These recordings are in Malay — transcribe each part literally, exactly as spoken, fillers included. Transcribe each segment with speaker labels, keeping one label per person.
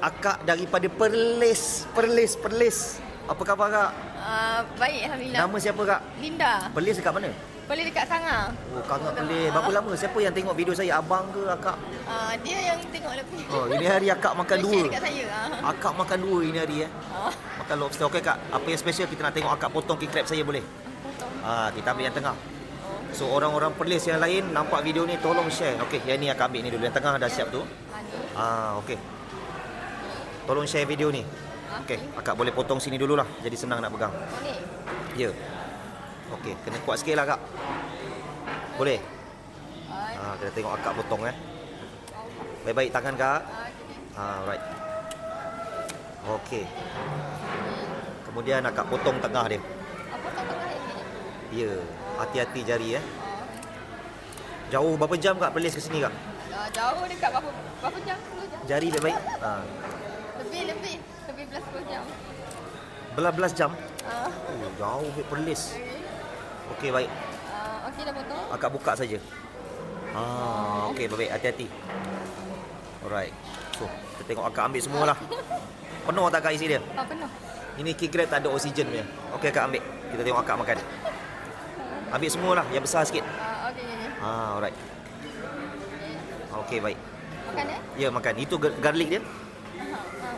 Speaker 1: Akak daripada Perlis. Perlis, Perlis. Apa khabar kak?
Speaker 2: Uh, baik, Alhamdulillah.
Speaker 1: Nama siapa kak?
Speaker 2: Linda.
Speaker 1: Perlis dekat mana?
Speaker 2: Boleh dekat Sangah.
Speaker 1: Oh, Kangah Perlis. Berapa lama? Siapa yang tengok video saya? Abang ke akak?
Speaker 2: Uh, dia yang tengok lebih.
Speaker 1: Oh, ini hari akak makan
Speaker 2: Dia
Speaker 1: dua.
Speaker 2: share dekat saya. Uh.
Speaker 1: Akak makan dua ini hari eh.
Speaker 2: Uh.
Speaker 1: Makan lobster. Okey kak, apa yang special kita nak tengok akak potong king crab saya boleh?
Speaker 2: Potong.
Speaker 1: Ah, kita ambil yang tengah. So orang-orang Perlis yang lain nampak video ni tolong share. Okey, yang ni akak ambil ni dulu. Yang tengah dah siap tu. Ah, okey. Tolong share video ni. Okey, akak boleh potong sini dululah. Jadi senang nak pegang.
Speaker 2: Oh ni.
Speaker 1: Ya. Okey, kena kuat sikit lah kak. Boleh? Ah, kita tengok akak potong eh. Baik-baik tangan kak. Ah, right. Okey. Kemudian akak potong tengah dia.
Speaker 2: Apa tak tengah ini?
Speaker 1: Ya, hati-hati jari eh. Jauh berapa jam kak Perlis ke sini kak?
Speaker 2: Uh, jauh dekat berapa berapa jam? sepuluh jam.
Speaker 1: Jari baik-baik. Ah.
Speaker 2: Lebih lebih lebih belas sepuluh jam.
Speaker 1: Belas-belas jam.
Speaker 2: Uh.
Speaker 1: Oh, jauh ke Perlis. Okey baik.
Speaker 2: Uh, okey dah potong.
Speaker 1: Akak buka saja. Ah, okey baik, hati-hati. Alright. So, kita tengok akak ambil semualah. Penuh tak kak isi dia?
Speaker 2: Ah, penuh.
Speaker 1: Ini king crab tak ada oksigen punya. Okey akak ambil. Kita tengok akak makan. Ambil semualah, yang besar sikit.
Speaker 2: Uh, okey ni.
Speaker 1: Ah, alright. Okey baik.
Speaker 2: Makan eh?
Speaker 1: Ya, makan. Itu gar- garlic dia.
Speaker 2: Uh, uh.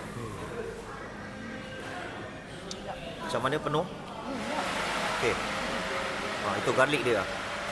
Speaker 1: Macam mana penuh?
Speaker 2: Hmm,
Speaker 1: Okey. Ah, itu garlic dia.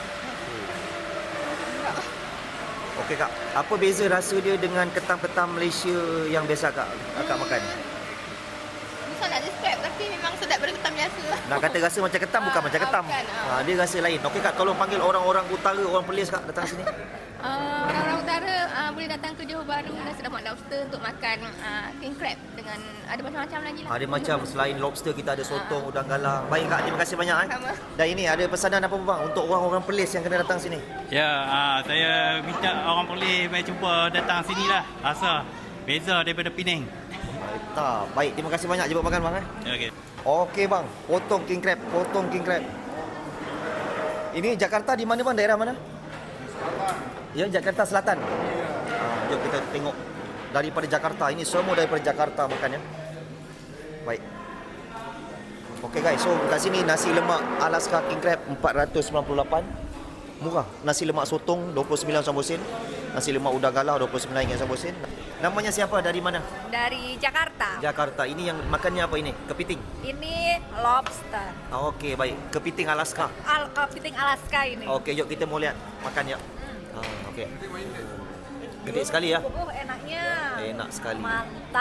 Speaker 1: Okey kak, apa beza rasa dia dengan ketam-ketam Malaysia yang biasa kak akak makan?
Speaker 2: Susah nak describe tapi memang sedap daripada ketam biasa.
Speaker 1: Nak kata rasa macam ketam bukan
Speaker 2: Ah,
Speaker 1: macam ketam.
Speaker 2: bukan, ah.
Speaker 1: Ah, dia rasa lain. Okey kak, tolong panggil orang-orang utara, orang Perlis kak datang sini.
Speaker 2: Uh, orang-orang utara uh, boleh datang ke Johor Bahru dan Sedamak Lobster untuk makan uh, king crab dengan ada macam-macam lagi lah.
Speaker 1: Ada macam selain lobster kita ada sotong, udang galang. Baik kak, terima kasih banyak eh.
Speaker 2: Sama.
Speaker 1: Dan ini ada pesanan apa bang untuk orang-orang Perlis yang kena datang sini?
Speaker 3: Ya, ah, saya minta orang boleh mai cuba datang sini lah. Rasa beza daripada Penang.
Speaker 1: Baik, tak. Baik, terima kasih banyak jemput makan bang eh.
Speaker 3: Ya, okey.
Speaker 1: Okey bang, potong king crab, potong king crab. Ini Jakarta di mana bang? Daerah mana? Ya, Jakarta Selatan. Ha, jom kita tengok daripada Jakarta. Ini semua daripada Jakarta makannya. Baik. Okey guys, so kat sini nasi lemak Alaska king crab empat ratus sembilan puluh lapan. Murah. Nasi lemak sotong dua puluh sembilan sambal sen. Nasi lemak udang galah dua puluh sembilan ringgit sambal sen. Namanya siapa? Dari mana?
Speaker 2: Dari Jakarta.
Speaker 1: Jakarta. Ini yang makannya apa ini? Kepiting.
Speaker 2: Ini lobster.
Speaker 1: Ah, okey, baik. Kepiting Alaska.
Speaker 2: Al kepiting Alaska ini.
Speaker 1: Okey, jom kita mau lihat makannya. Ah, okey. Gede sekali ya.
Speaker 2: Oh, enaknya.
Speaker 1: Enak sekali.
Speaker 2: Mantap.